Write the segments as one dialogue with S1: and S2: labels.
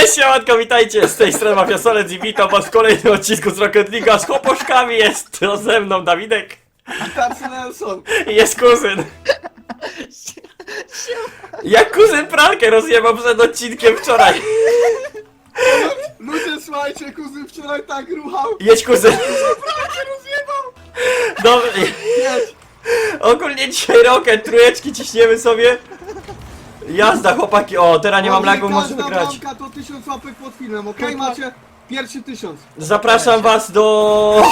S1: Cześć, siemanko, witajcie, z tej strony Mafia Solec i witam was w kolejnym odcinku z Rocket League'a. Z chłoposzkami jest to ze mną Dawidek
S2: Tarcy Nelson.
S1: i jest kuzyn. Jak kuzyn pralkę rozjebał przed odcinkiem wczoraj.
S2: Ludzie, słuchajcie, kuzyn wczoraj tak ruchał.
S1: Jedź kuzyn.
S2: Pralkę rozjebał.
S1: Dobra,
S2: Jedź.
S1: ogólnie dzisiaj Rocket, trójeczki ciśniemy sobie. Jazda chłopaki, o teraz nie mam lagu, możemy grać.
S2: Każda to 1000 łapek pod filmem, okej? Macie pierwszy 1000.
S1: Zapraszam was do...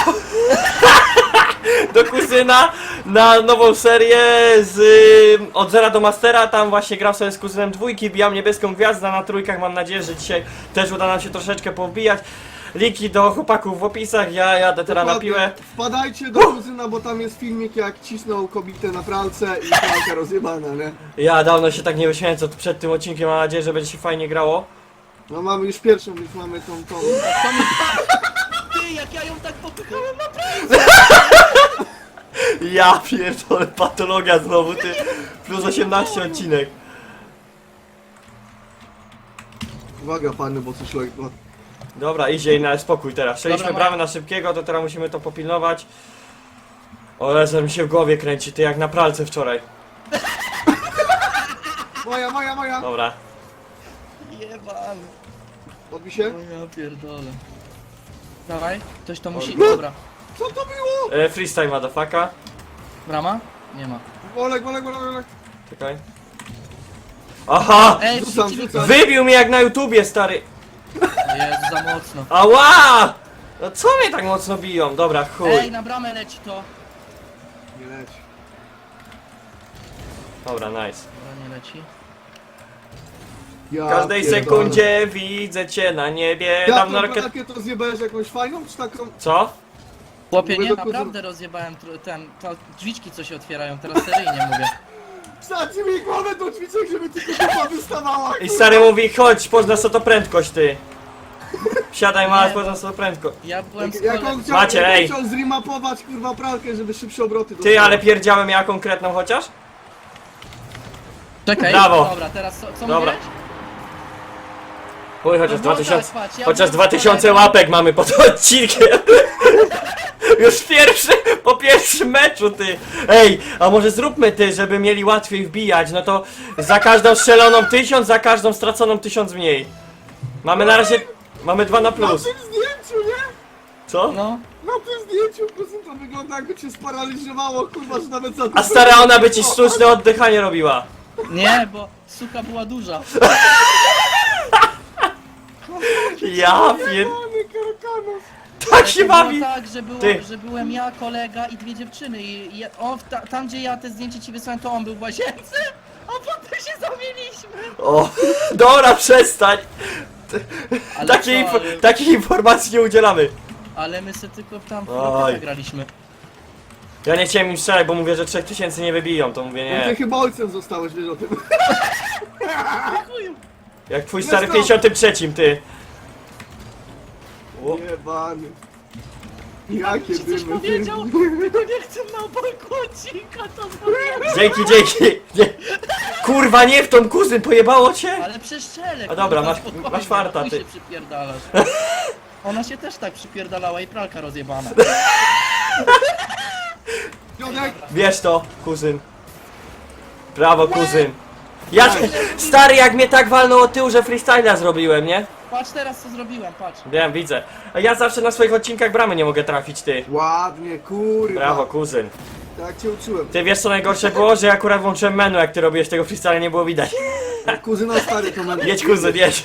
S1: do kuzyna na nową serię z od zera do mastera. Tam właśnie gram sobie z kuzynem dwójki, bijam niebieską gwiazdę na trójkach. Mam nadzieję, że dzisiaj też uda nam się troszeczkę powbijać. Linki do chłopaków w opisach, ja jadę teraz na piłę.
S2: Wpadajcie do kuzyna, bo tam jest filmik, jak cisnął kobietę na pralce i pralka rozjebana, nie?
S1: Ja dawno się tak nie wyśmiałem co przed tym odcinkiem, mam nadzieję, że będzie się fajnie grało.
S2: No mamy już pierwszą, już mamy tą.
S3: Ty, jak ja ją tak popychałem na
S1: Ja pierdolę, patologia znowu, ty. Plus 18 odcinek.
S2: Uwaga pany, bo coś lekko.
S1: Dobra, idzie i na spokój teraz. Strzeliśmy
S3: Dobra,
S1: bramę na szybkiego, to teraz musimy to popilnować. O, Lezer mi się w głowie kręci, ty jak na pralce wczoraj.
S2: Moja.
S1: Dobra.
S3: Jebany.
S2: Podbij się.
S3: O ja pierdolę. Dawaj, ktoś to musi...
S2: No.
S3: Dobra.
S2: Co to było?
S1: Freestyle motherfucka.
S3: Brama? Nie ma.
S2: Olek.
S1: Czekaj. Aha!
S3: Ej,
S2: Rzucam.
S1: Wybił mnie jak na YouTubie, stary.
S3: Jezu, za mocno.
S1: Ała! No co mnie tak mocno biją? Dobra, chuj.
S3: Ej, na bramę leci to.
S2: Nie leć.
S1: Dobra, nice.
S3: Dobra, nie leci.
S2: Ja
S1: W każdej
S2: pierdolę.
S1: sekundzie widzę cię na niebie.
S2: Ja
S1: Dam na
S2: tą
S1: rocket...
S2: pralkę to zjebałeś jakąś fajną, czy taką?
S1: Co?
S3: Chłopie,
S2: Mówię
S3: nie,
S2: do kuzyna.
S3: naprawdę rozjebałem to drzwiczki, co się otwierają, teraz seryjnie mówię.
S2: Wsadź mi głowę do drzwiczek, żeby tylko dupa wystawała.
S1: I stary mówi, chodź, poznasz co to prędkość, ty. Siadaj, masz,
S3: Nie,
S1: poznasz co to prędkość.
S3: Ja byłem z
S2: Jak on chciał,
S1: Macie,
S2: jak on
S1: ej.
S2: chciał zrimapować kurwa pralkę, żeby szybsze obroty
S1: Ty,
S2: dostawał.
S1: ale pierdziałem ja konkretną chociaż?
S3: Czekaj,
S1: Brawo.
S3: dobra, teraz co
S1: Dobra.
S3: mówiłeś?
S1: Chuj, chociaż
S3: No bo
S1: 2000,
S3: tak, patrz, ja
S1: chociaż
S3: byłem
S1: 2000
S3: kolegą.
S1: łapek mamy pod odcinkiem. Już po pierwszym meczu, ty. Ej, a może zróbmy ty, żeby mieli łatwiej wbijać, no to za każdą strzeloną 1000, za każdą straconą 1000 mniej. Mamy na razie, mamy 2 na
S2: Na
S1: plus.
S2: tym zdjęciu, nie?
S1: Co?
S3: No.
S2: Na tym zdjęciu, kuzyn, to wygląda jakby cię sparaliżowało, kurwa, że nawet za
S1: A stara ona by ci sztuczne oddychanie robiła.
S3: Nie, bo suka była duża.
S1: Ja pier...
S2: Pany Karakanów.
S1: Tak się
S3: To było
S1: bawi.
S3: tak,
S1: Ty.
S3: że byłem ja, kolega i dwie dziewczyny i on tam gdzie ja te zdjęcie ci wysłałem, to on był w łazience, a potem się zamieniliśmy.
S1: O, dobra, przestań.
S3: Ale
S1: Takiej,
S3: co, ale,
S1: takich informacji nie udzielamy.
S3: ale my sobie tylko tam
S1: Oj.
S3: w graliśmy.
S1: Ja nie chciałem im strzelać, bo mówię, że 3000 nie wybiją, to mówię
S2: No ty
S1: nie.
S2: chyba ojcem zostałeś, wiesz o tym.
S3: Chuju.
S1: Jak twój stary w
S2: Let's go.
S1: 53, ty. O,
S2: Jebany. Jakie
S3: Ci coś
S2: dymy.
S3: powiedział? Tylko nie chcę na balkonika to zrobić.
S1: dzięki. Nie. Kurwa, nie w tą, kuzyn, pojebało cię?
S3: Ale przeszczelek.
S1: A dobra,
S3: kurwa,
S1: masz-
S3: spokojnie,
S1: masz farta,
S3: chuj
S1: ty.
S3: się przypierdalasz. Ona się też tak przypierdalała i pralka rozjebana.
S2: Piotrek,
S1: Wiesz to, kuzyn. Brawo, kuzyn. Ja, stary, jak mnie tak walnął od tyłu, że freestyla zrobiłem, nie?
S3: Patrz teraz co zrobiłem, patrz.
S1: Wiem, widzę. A ja zawsze na swoich odcinkach bramy nie mogę trafić, ty.
S2: ładnie, kurwa.
S1: Brawo, kuzyn.
S2: Tak cię uczyłem.
S1: Ty wiesz co najgorsze było? Że ja akurat włączyłem menu, jak ty robiłeś tego freestyla, nie było widać.
S2: Kuzyna stary to mamy.
S1: Jedź, kuzyn, jedź.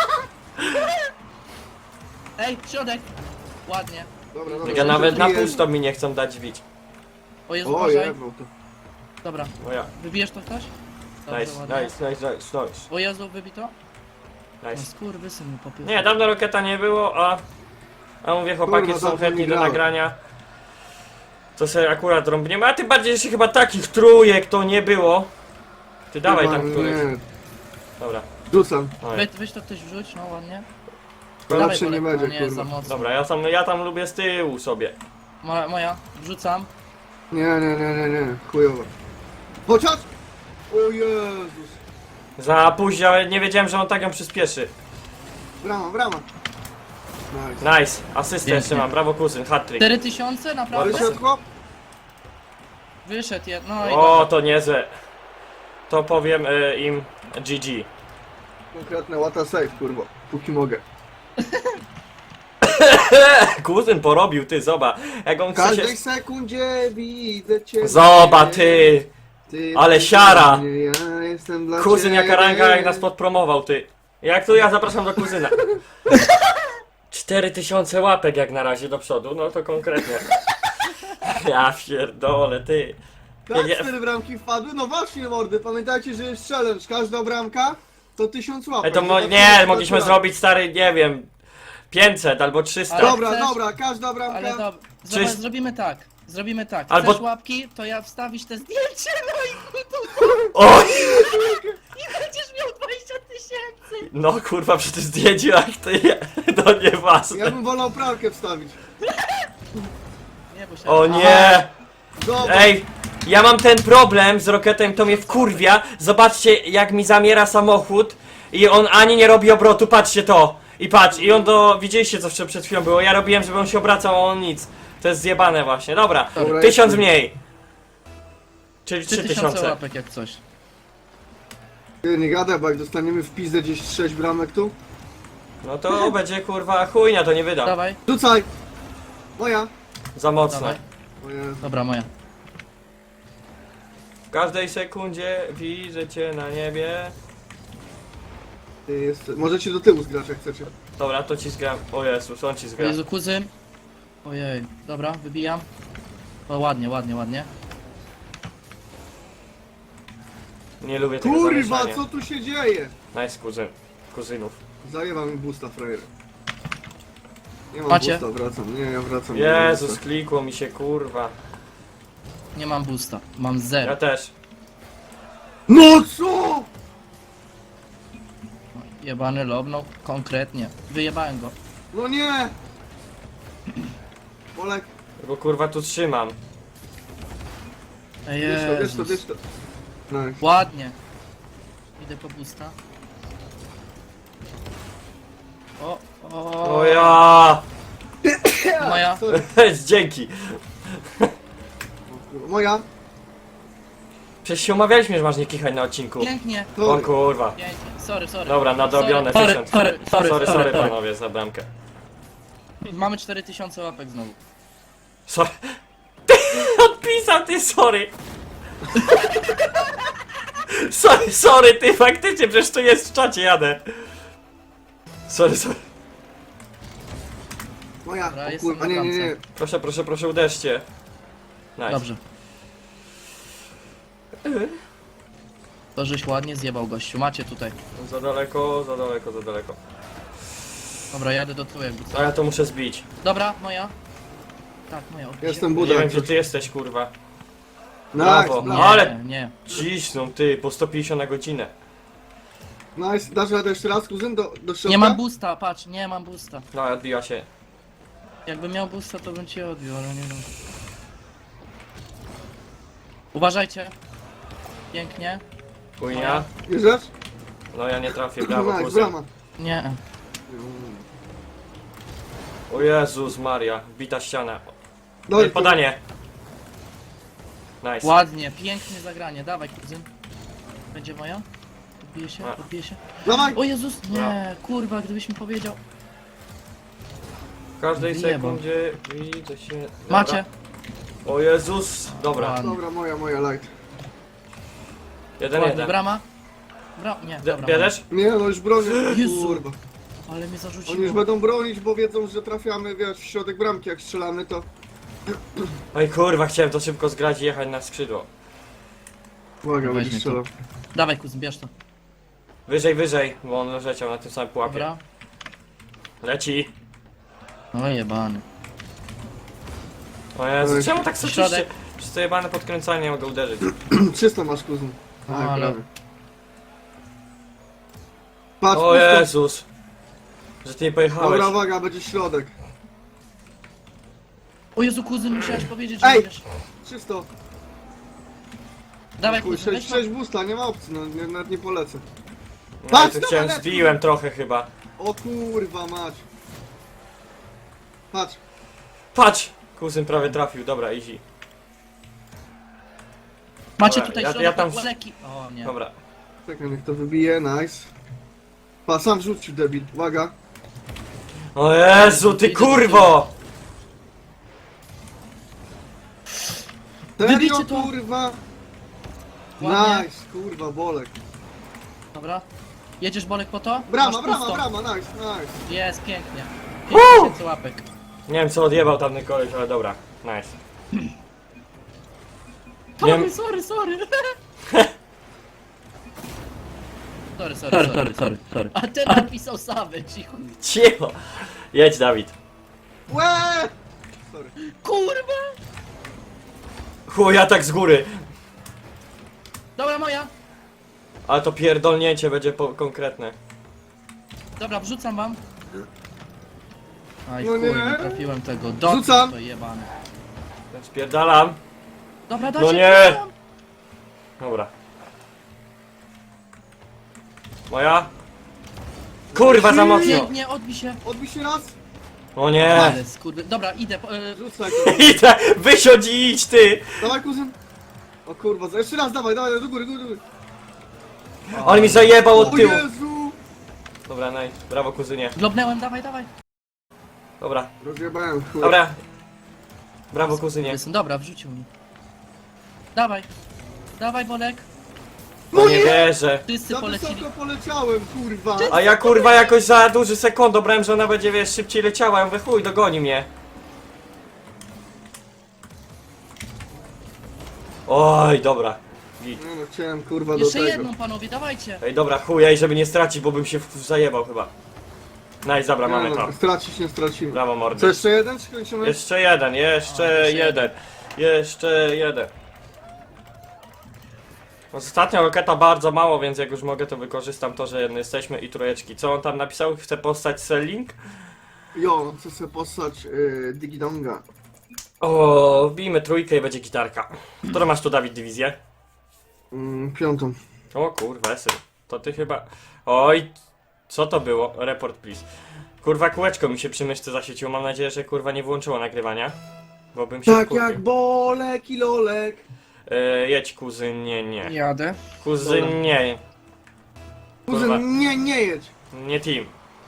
S3: Ej, środek. Ładnie.
S2: Dobra.
S1: Ja nawet na
S2: Jest.
S1: pusto mi nie chcą dać bić.
S3: O Jezu,
S2: O,
S3: uważaj.
S2: jebał to.
S3: Dobra,
S1: No ja.
S3: wybijesz to ktoś? Dobrze,
S1: Nice,
S3: ładnie.
S1: nice.
S3: O Jezu, wybij to? No
S1: Nice.
S3: skurwysyn mi popycha.
S1: Nie, dawno Roketa nie było, a mówię, chłopaki
S2: Kurwa,
S1: są
S2: dawno
S1: chętni
S2: nie
S1: do
S2: grałem.
S1: nagrania. To sobie akurat rąbniemy, a tym bardziej, że chyba takich trójek to nie było. Ty dawaj tam
S2: Kurwa,
S1: któryś.
S2: nie.
S1: Dobra.
S2: Rzucam.
S1: Oj.
S3: Weź to ktoś wrzuć, no ładnie.
S2: To
S3: Dawaj,
S2: lepsze nie
S3: Bolek,
S2: będzie,
S3: no nie, za
S2: kurwa.
S3: mocno.
S1: Dobra, ja tam lubię z tyłu sobie.
S3: Moja, wrzucam.
S2: Nie. Chujowo. Chociaż! O Jezus.
S1: Za późno, ale nie wiedziałem, że on tak ją przyspieszy.
S2: Brama, brama. Nice.
S1: Nice, asystę
S3: Pięknie.
S1: jeszcze mam, brawo kuzyn, hat-trick.
S3: 4000? Naprawdę?
S2: Wyszedł chłop?
S3: Wyszedł, no i
S1: O,
S3: dobra.
S1: to niezłe. To powiem im GG.
S2: Konkretne what a save, kurwa. Póki mogę.
S1: Kuzyn porobił, ty, zobacz. Jak on
S2: W
S1: chce się...
S2: każdej sekundzie widzę cię.
S1: Zobacz, ty.
S2: Ty
S1: ale
S2: jesteś
S1: siara.
S2: dla mnie, ja jestem dla
S1: Kuzyn
S2: ciebie.
S1: jaka ranga, jak nas podpromował, ty. Jak tu ja zapraszam do kuzyna. 4000 łapek jak na razie do przodu, no to konkretnie. Ja pierdolę, ty.
S2: Tak,
S1: Nie.
S2: 4 bramki wpadły. No właśnie, mordy. Pamiętajcie, że jest challenge. Każda bramka to 1000 łapek.
S1: Ej, to
S2: Zobaczymy,
S1: nie,
S2: co
S1: mogliśmy
S2: to
S1: zrobić, stary, nie wiem, 500 albo 300.
S3: Ale-
S2: Dobra,
S3: Chcesz?
S2: dobra, każda bramka.
S3: Ale dobra,
S1: Czyż-
S3: zrobimy tak. Zrobimy tak.
S1: Albo-
S3: Chcesz łapki, to ja wstawisz te zdjęcie, no i tu
S1: Oj!
S3: i będziesz miał 20 000.
S1: No kurwa, przy tym zdjęciu jak ty, no nieważne.
S2: Ja bym wolał pralkę wstawić.
S3: Nie, bo się...
S1: O nie!
S2: Dobra.
S1: Ej, ja mam ten problem z Rocketem, to mnie wkurwia. Zobaczcie, jak mi zamiera samochód i on ani nie robi obrotu, patrzcie to. I patrz, i on do... Widzieliście co przed chwilą było, ja robiłem, żeby on się obracał, a on nic. To jest zjebane właśnie, dobra.
S2: Dobra,
S1: 1000
S2: jest.
S1: mniej. Czyli
S3: 3000
S1: 3000.
S3: łapek jak coś.
S2: Ty, nie gadaj, bo jak dostaniemy w pizdę gdzieś 6 bramek tu.
S1: No to będzie kurwa chujnia, to nie wydam.
S3: Dawaj,
S2: Rzucaj! Moja.
S1: Za mocno.
S3: dawaj.
S2: Moja.
S3: Dobra, moja.
S1: W każdej sekundzie widzę cię na niebie.
S2: Ty jest... Możecie do tyłu zgrać jak chcecie.
S1: Dobra, to ci zgram. O Jezus, on ci
S3: O
S1: zgra.
S3: Jezu, kuzyn. Ojej, dobra, wybijam. O, ładnie, ładnie, ładnie.
S1: Nie lubię tego
S2: Kurwa,
S1: zamieszania.
S2: co tu się dzieje?
S1: Nice kuzynów.
S2: Zajęła mi boosta, frajer. Nie mam
S3: Macie?
S2: boosta, wracam. Nie, ja wracam. nie
S1: Jezus,
S2: wracam.
S1: klikło mi się kurwa.
S3: Nie mam boosta, mam
S1: Ja
S3: zero.
S1: też.
S2: No co?
S3: Jebany lobnął, konkretnie. Wyjebałem go.
S2: No nie! Polek,
S1: Bo kurwa tu trzymam.
S3: Ej,
S2: wiesz to, wiesz to,
S3: Jezus.
S2: wiesz to. Nice.
S3: Ładnie. Idę po boosta. O,
S1: O ja!
S3: moja.
S2: Sorry.
S1: Dzięki.
S2: Moja.
S1: Przecież się umawialiśmy, że masz nie kichać na odcinku.
S3: Pięknie,
S1: O
S2: Sorry.
S1: kurwa.
S3: pięknie. Sorry.
S1: Dobra, nadrobione
S3: Sorry,
S1: 1000. Sorry panowie za bramkę.
S3: Mamy 4000 łapek znowu.
S1: Sorry. Ty odpisał, ty sorry. Sorry, ty faktycznie, przecież to jest w czacie, jadę. Sorry.
S2: Moja.
S3: Dobra,
S2: O
S3: jestem
S2: kurwa,
S3: na
S2: nie, nie, nie.
S1: Proszę, uderzcie. Nice.
S3: Dobrze. To żeś ładnie zjebał gościu, macie tutaj.
S1: Za daleko.
S3: Dobra, jadę do tyłu jakby co.
S1: A ja to muszę zbić.
S3: Dobra, moja. Tak, moja. odbiję.
S2: Jestem
S1: Nie
S2: budak.
S1: wiem, gdzie ty jesteś, kurwa.
S2: Nice,
S1: Brawo.
S3: Nie,
S2: nice.
S1: Ale-
S3: nie.
S1: Cisną, ty, po 150 na godzinę.
S2: Nice. Dasz radę jeszcze raz, kuzyn, do środka?
S3: Nie mam boosta, patrz, nie mam boosta.
S1: No, odbiła się.
S3: Jakbym miał boosta, to bym cię odbił, ale nie wiem. Uważajcie. Pięknie.
S1: Chujnia.
S2: Bierzesz?
S1: No ja nie trafię, brawo,
S2: Nice,
S1: kuzyn.
S2: brama.
S3: Nie.
S1: O Jezus Maria, bita ściana.
S2: Dobrze,
S1: Podanie. Nice.
S3: Ładnie, pięknie zagranie. Dawaj, kuzyn. Będzie moja? Odbije się.
S2: Dawaj!
S3: O Jezus, nie, kurwa, gdybyś mi powiedział.
S1: W każdej
S3: Wyjebał.
S1: sekundzie widzę się... Dobra.
S3: Macie.
S1: O Jezus. Dobra.
S3: Ładnie.
S2: Dobra, moja light.
S1: 1-1.
S3: Brama? Nie, dobra.
S1: Bierzesz?
S2: Nie, no już bronię.
S3: Jezu.
S2: Kurwa.
S3: moja. Ale mnie zarzuciło.
S2: Oni już będą bronić, bo wiedzą, że trafiamy, wiesz, w środek bramki, jak strzelamy, to...
S1: Oj kurwa, chciałem to szybko zgrać i jechać na skrzydło.
S2: Uwaga,
S3: Weźmie
S2: będzie
S3: to.
S2: strzelał.
S3: Dawaj, kuzyn, bierz to.
S1: Wyżej, bo on leciał na tym samym pułapie.
S3: Dobra.
S1: Leci.
S3: No jebany.
S1: O Jezu,
S2: Oj.
S1: czemu tak soczyście?
S3: Środek.
S1: Przez to jebane podkręcanie nie mogę uderzyć.
S2: 300 masz, kuzyn. Tak,
S3: Ale-
S2: prawie. Patrz,
S1: O
S2: pusto.
S1: Jezus. Że ty nie pojechałeś.
S2: Dobra, uwaga, będzie środek.
S3: O Jezu, kuzyn, musiałeś powiedzieć, że
S2: Ej!
S3: wiesz.
S2: 300.
S3: Dawaj,
S2: Chuj,
S3: kuzyn,
S2: 6 boosta, nie ma opcji, no nawet nie polecę.
S1: No,
S2: Patrz,
S1: tu
S2: dobra,
S1: chciałem,
S2: lecz.
S1: zbiłem trochę chyba.
S2: O kurwa mać. Patrz.
S1: Patrz! Kuzyn prawie trafił, dobra, easy.
S3: Macie
S1: Dobra,
S3: tutaj
S1: ja
S3: środek
S1: tam-
S3: Boleki. O nie.
S1: Dobra.
S2: Czekaj, niech to wybije, nice. Pa, sam rzucił debil, uwaga.
S1: O Jezu, ty kurwo!
S2: Serio,
S3: Wybijcie to.
S2: kurwa.
S3: Ładnie.
S2: Nice, kurwa, Bolek.
S3: Dobra. Jedziesz Bolek po to?
S2: Brama,
S3: Masz
S2: brama,
S3: pusto.
S2: brama, nice, nice.
S3: Jest, pięknie.
S1: Woo!
S3: 5000 łapek.
S1: Nie wiem co odjebał tamten koleś, ale dobra. Nice. Nie wiem-
S3: Sorry. sorry. Sorry. A ten napisał Savage i chuj.
S1: Cicho! Jedź Dawid.
S2: Łe! Sorry.
S3: Kurwa!
S1: Chuj, ja tak z góry.
S3: Dobra, moja.
S1: Ale to pierdolnięcie będzie konkretne.
S3: Dobra, wrzucam wam. Aj
S2: No
S3: chuj,
S2: nie.
S3: nie trafiłem tego. Dot
S2: Wrzucam.
S3: to jebane.
S1: Spierdalam.
S3: Dobra, dajcie.
S1: No nie.
S3: wrzucam.
S1: Dobra. Moja? Kurwa, za mocno.
S3: Pięknie, odbij się.
S2: Odbij się raz.
S1: O nie.
S3: Ale skurwy. Dobra, idę.
S2: Rzucaj to.
S1: Idę, wysiądź i idź ty.
S2: Dawaj, kuzyn. O kurwa, jeszcze raz, dawaj, do góry, do góry.
S1: On mi zajebał od
S2: O
S1: tyłu.
S2: Jezu!
S1: Dobra, nice. Brawo kuzynie.
S3: Globnęłem, dawaj.
S1: Dobra,
S2: Rozjebałem, chuj.
S1: dobra. Brawo kuzynie.
S3: Dobra, wrzucił mi. Dawaj, Bolek.
S1: No nie wierzę.
S3: Wszyscy
S2: Za
S3: polecili.
S2: wysoko poleciałem, kurwa.
S1: A ja kurwa jakoś za duży sekund dobrałem, że ona będzie wiesz szybciej leciała. Ja mówię chuj, dogoni mnie. Oj, dobra. Git.
S2: Nie no, chciałem kurwa do
S3: Jeszcze
S2: tego.
S3: jedną, panowie, dawajcie.
S1: Ej, dobra, chuj, ej, żeby nie stracić, bo bym się zajebał chyba. Nice, dobra,
S2: Nie
S1: mamy
S2: no,
S1: to.
S2: stracić nie stracimy.
S1: Brawo
S2: Co,
S1: mordy.
S2: jeszcze jeden, czy kończymy?
S1: Jeszcze jeden, jeszcze jeden. Jeszcze jeden. Ostatnio roketa bardzo mało, więc jak już mogę, to wykorzystam to, że jesteśmy i trójeczki. Co on tam napisał? Chce postać selling?
S2: Jo, chcę sobie postać Digidonga.
S1: O, wbijmy trójkę i będzie gitarka. Którą masz tu, Dawid, dywizję?
S2: Piątą.
S1: O kurwa, syn. To ty chyba... Oj, co to było? Report please. Kurwa, kółeczko mi się przy myszce zasieciło. Mam nadzieję, że kurwa nie włączyło nagrywania. Bo bym się
S2: Tak
S1: wkurwił.
S2: jak Bolek i Lolek.
S1: Jedź kuzyn, nie.
S3: Jadę.
S1: Kuzyn, nie. Kurwa.
S2: Kuzyn, nie jedź.
S1: Nie team.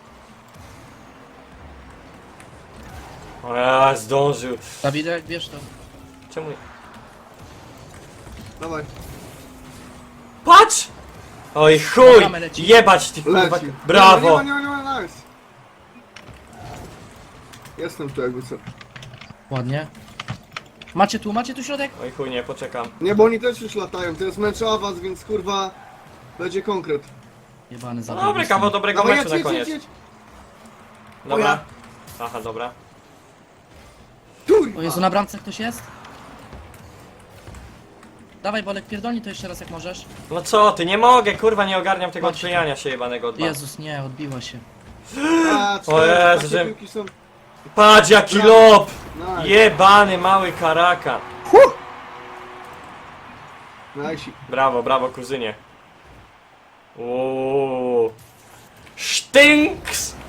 S1: O ja, zdążył.
S3: Dawidek, bierz to.
S1: Czemu...
S2: Dawaj,
S1: Patrz! Oj chuj!
S3: Bramę leci.
S1: Jebać ty kurwa...
S2: leci.
S1: Brawo!
S2: Nie ma, nice. Jestem tu jakby co.
S3: Ładnie. Macie tu środek?
S1: Oj chuj, nie, poczekam.
S2: Nie, bo oni też już latają, to jest mecz awans, więc kurwa będzie konkret.
S3: Jebany za
S1: No dobry kawał dobrego
S2: Dawaj,
S1: meczu na
S2: jedź,
S1: koniec.
S2: jedź.
S1: Dobra. Aha, dobra.
S2: Kurwa.
S3: O Jezu, na bramce ktoś jest? Dawaj, Bolek, pierdolnij to jeszcze raz jak możesz.
S1: No co ty, nie mogę, kurwa, nie ogarniam tego
S3: Chodź.
S1: odklejania się jebanego od was.
S3: Jezus, nie, odbiła się.
S2: A,
S1: O Jezu,
S2: takie
S1: że-
S2: piłki są.
S1: Patrz jaki
S2: Brawo.
S1: lob!
S2: Nice.
S1: Jebany mały karakan.
S2: Nice.
S1: Brawo, brawo kuzynie. Uuuu. Sztynks!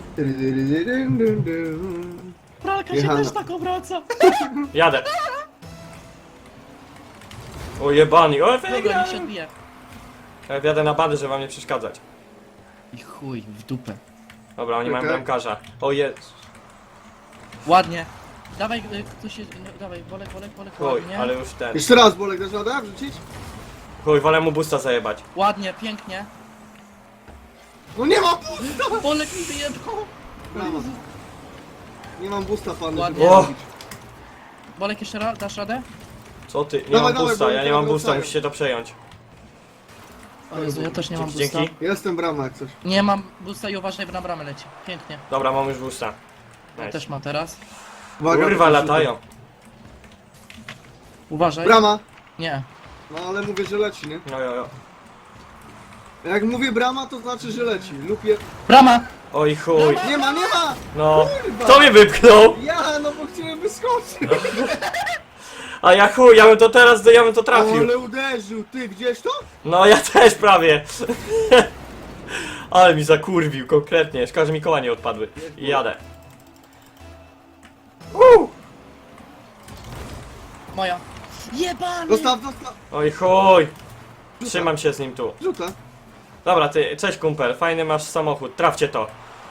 S3: Pralka
S2: się Jechana. też
S3: tak obraca.
S1: Jadę. O jebany, o
S3: Dobra, niech się
S1: wygrałem.
S3: odbije.
S1: Ja wjadę na bady, żeby wam nie przeszkadzać.
S3: I chuj, w dupę.
S1: Dobra, oni mają
S2: Okej.
S1: bramkarza. O jest.
S3: Ładnie. Dawaj, ktoś się... No, dawaj, Bolek,
S1: Chuj,
S3: ładnie.
S1: ale już ten.
S2: Jeszcze raz, Bolek, dasz radę wrzucić?
S1: Chuj, wolę mu busta zajebać.
S3: Ładnie, pięknie.
S2: No nie ma busta!
S3: Bolek mi wyjebał.
S2: Brawa. Nie mam busta, pan.
S3: Ładnie.
S1: O!
S3: Bolek, jeszcze raz, dasz radę?
S1: Co ty? Nie
S2: Dawaj,
S1: mam busta,
S2: dawaj,
S1: ja nie
S2: bo
S1: mam
S2: oni
S1: busta,
S2: wracają.
S1: musicie to przejąć.
S3: O Jezu, ja też nie mam
S1: Dzięki,
S3: busta.
S1: dzięki.
S2: Jestem brama jak coś.
S3: Nie mam busta i uważaj, bo na bramę leci. Pięknie.
S1: Dobra, mam już busta.
S3: Ja
S1: Nice.
S3: też mam teraz.
S2: Uwaga,
S1: Kurwa,
S2: to
S1: latają.
S3: Uważaj.
S2: Brama.
S3: Nie.
S2: No ale mówię, że leci, nie?
S1: No jo, jo.
S2: Jak mówię brama, to znaczy, że leci. Lub je...
S3: Brama!
S1: Oj chuj.
S2: Nie ma, nie ma!
S1: No.
S2: Kurwa.
S1: Kto mnie wypchnął?
S2: Ja, no bo chciałem wyskoczyć.
S1: A ja chuj, ja bym to teraz, ja bym to trafił.
S2: Ale uderzył, ty gdzieś to?
S1: No ja też prawie. Ale mi zakurwił, konkretnie. Szkoda, że mi koła nie odpadły. I jadę.
S3: Moja. Jebany!
S2: Dostaw.
S1: Oj chuj. Trzymam się z nim tu.
S2: Rzucę.
S1: Dobra, ty, cześć kumpel, fajny masz samochód, trafcie to.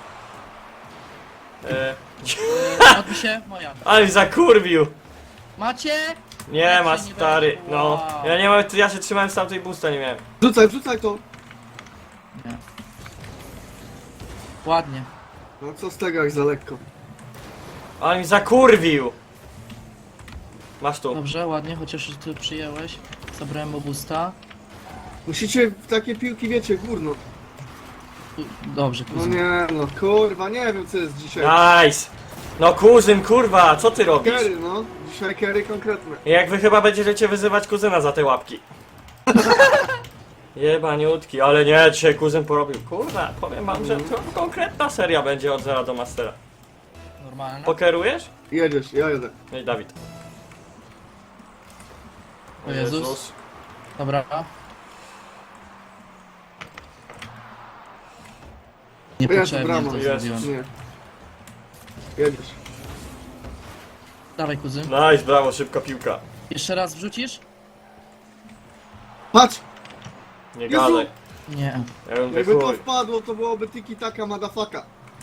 S3: Odbij się, moja.
S1: Ale mi zakurwił.
S3: Macie?
S1: Nie
S3: Jak
S1: ma
S3: się nie
S1: stary,
S3: weźmie?
S1: no.
S3: Wow.
S1: Ja nie mam, ja się trzymałem z tamtej busta, nie miałem.
S2: Wrzucaj to.
S3: Nie. Ładnie.
S2: No co z tego jak za lekko.
S1: Ale mi zakurwił. Masz tu.
S3: Dobrze, ładnie, chociaż ty przyjęłeś. Zabrałem obusta.
S2: Musicie w takie piłki, wiecie, górno.
S3: Dobrze,
S2: No
S3: kuzyn.
S2: nie, no kurwa, nie wiem co jest dzisiaj.
S1: Nice. No kuzyn, kurwa, co ty robisz?
S2: Kery, no. Dzisiaj kery konkretne.
S1: Jak wy chyba będziecie wyzywać kuzyna za te łapki. Jebaniutki, ale nie, dzisiaj kuzyn porobił. Kurwa, powiem wam, że to konkretna seria będzie od zera do mastera.
S3: Normalne.
S1: Pokerujesz?
S2: Jedziesz, ja jedę.
S1: No i Dawid.
S3: O Jezus. Dobra.
S2: Jezu,
S3: Niepotrzebnie
S2: brawo,
S3: to
S1: Jezus.
S3: zrobiłem.
S2: Nie. Jedziesz.
S3: Dawaj, kuzyn.
S1: Nice, brawo, szybka piłka.
S3: Jeszcze raz wrzucisz?
S2: Patrz!
S1: Nie
S2: Jezu.
S1: gadaj.
S3: Nie.
S1: Ja bym
S2: Jakby to
S1: chuj.
S2: wpadło, to byłoby tiki taka madafaka.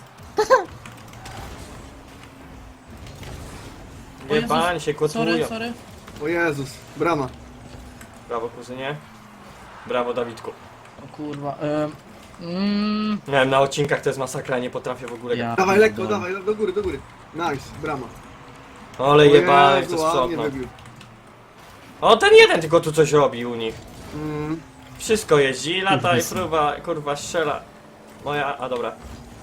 S3: O Jezus.
S1: Jebań się kotują.
S3: Sorry.
S2: O Jezus, brama.
S1: Brawo kuzynie. Brawo Dawidku.
S3: O kurwa.
S1: Nie wiem, na odcinkach to jest masakra, nie potrafię w ogóle.
S3: Ja
S2: Dawaj lekko,
S3: pierdolę.
S2: dawaj, do góry. Nice, brama.
S1: Ale
S2: O
S1: jebany,
S2: Jezu,
S1: chcę
S2: ładnie
S1: sprzątnąć.
S2: wybił.
S1: O, ten jeden tylko tu coś robi u nich.
S2: Mm,
S1: Wszystko jeździ, lata i
S3: Kurwa.
S1: próba, kurwa, strzela. Moja, a dobra.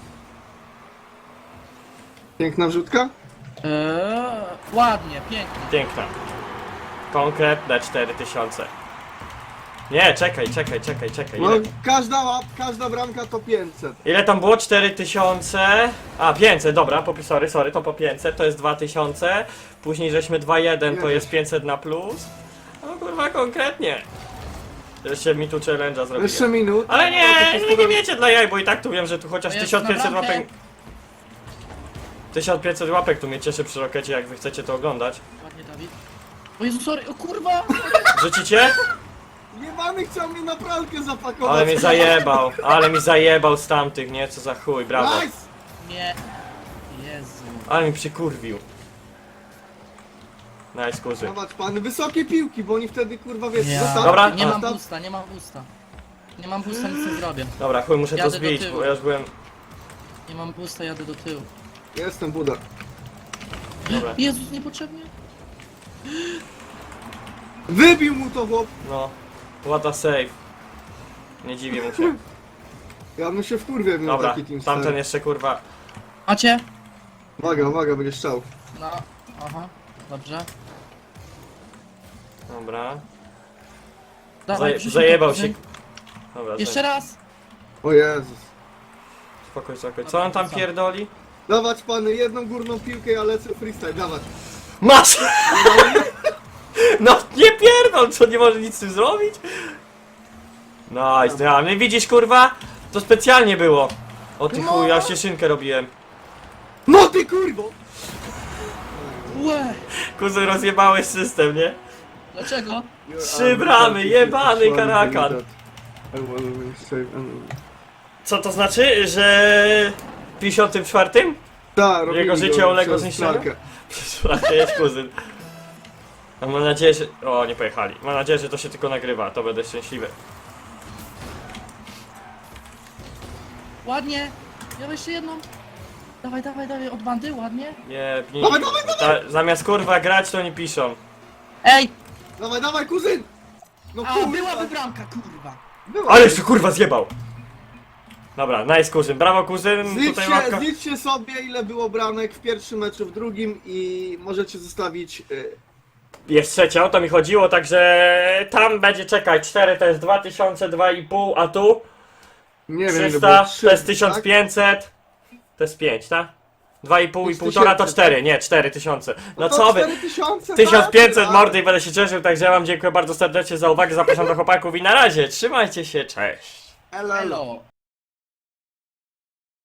S2: piękna wrzutka?
S3: Ładnie, pięknie.
S1: Piękna. Konkretne 4000. Nie, czekaj.
S2: No,
S1: Ile,
S2: każda bramka to 500.
S1: ile tam było? 4000. A, 500, dobra, sorry, to po 500, to jest 2000. Później żeśmy 2-1, to jest 500 na plus. No kurwa, konkretnie. Jeszcze mi tu challenge'a zrobiłem.
S2: Jeszcze minut.
S1: Ale
S2: No,
S1: nie wiecie dla jaj, bo i tak tu wiem, że tu chociaż
S3: To jest
S1: 1500
S3: na bramkę.
S1: łapek... 1500 łapek tu mnie cieszy przy Rokecie, jak wy chcecie to oglądać.
S3: Ładnie, Dawid. O Jezu, sorry, o kurwa!
S1: Rzucicie?
S2: Jebany chciał mnie na pralkę zapakować.
S1: Ale mi zajebał z tamtych, nie? Co za chuj, brawo.
S2: Nice!
S3: Nie. Jezu.
S1: Ale mi przykurwił. Nice, kurzy.
S2: Zobacz pan, wysokie piłki, bo oni wtedy kurwa wiesz,
S3: Ja.
S2: zostaw,
S1: Dobra.
S3: Nie mam
S2: zostaw.
S3: busta, nie mam busta. Nie mam busta, nic nie zrobię.
S1: Dobra, chuj, muszę to
S3: Jadę do
S1: zbić,
S3: tyłu.
S1: bo ja już byłem...
S3: Nie mam busta, jadę do tyłu.
S2: Jestem Buda.
S1: Dobra,
S3: Jezus, niepotrzebnie.
S2: Wybił mu to chłop.
S1: no. What a save. Nie dziwię mu się.
S2: Ja bym się wkurwiał, jakbym miał
S1: Dobra,
S2: taki team
S1: tamten
S2: stary.
S1: jeszcze kurwa...
S3: Macie?
S2: Uwaga, będzie strzał.
S3: No, aha, dobrze.
S1: Dobra.
S3: Dawaj, wrzuć
S1: Zajebał
S3: mi to,
S1: się.
S3: kuzyn.
S1: Dobra,
S3: Jeszcze raz!
S2: O Jezus.
S1: spokój. Co on tam
S3: Co?
S1: pierdoli?
S2: Dawać pan jedną górną piłkę, ja lecę freestyle, dawać.
S1: Masz! No nie pierdol, co nie może nic z tym zrobić? Nice, nie widzisz kurwa? To specjalnie było. O ty
S3: No.
S1: chuj, ja cieszynkę robiłem.
S2: No ty kurwo!
S3: Łe!
S1: Kuzyn, rozjebałeś system, nie?
S3: Dlaczego?
S1: Trzy bramy, jebany karakan. Co to znaczy, że... w 54?
S2: Tak, robili
S1: Jego życie
S2: go
S1: uległo
S2: przez
S1: zniszczeniu?
S2: pralkę.
S1: Słuchajcie, jest kuzyn. A mam nadzieję, że... O, nie pojechali. Mam nadzieję, że to się tylko nagrywa, to będę szczęśliwy.
S3: Ładnie! Ja jeszcze jedną. Dawaj, od bandy, ładnie.
S1: Nie, nie.
S2: Dawaj,
S1: Zamiast kurwa grać, to nie piszą.
S3: Ej!
S2: Dawaj, kuzyn! No
S3: A,
S2: kurwa!
S3: byłaby bramka, kurwa!
S2: Była.
S1: Ale jeszcze kurwa zjebał! Dobra, nice kuzyn, brawo kuzyn, tutaj łapka.
S2: Zliczcie sobie ile było bramek w pierwszym meczu, w drugim i możecie zostawić...
S1: Jest trzecia, o to mi chodziło, także tam będzie czekać 4 to jest 2000, 2,5, a tu
S2: nie wiem ile
S1: 300
S2: było,
S1: to jest
S2: 3,
S1: 1500, to jest 5, tak? 2,5 i
S2: jest
S1: 1,5 to
S2: 1000,
S1: 4, nie 4000. No
S2: to
S1: co wy?
S2: 4000,
S1: 1500
S2: tak?
S1: mordy i będę się cieszył, także ja wam dziękuję bardzo serdecznie za uwagę, zapraszam do chłopaków i na razie, trzymajcie się, cześć!
S2: Elo.
S3: Elo!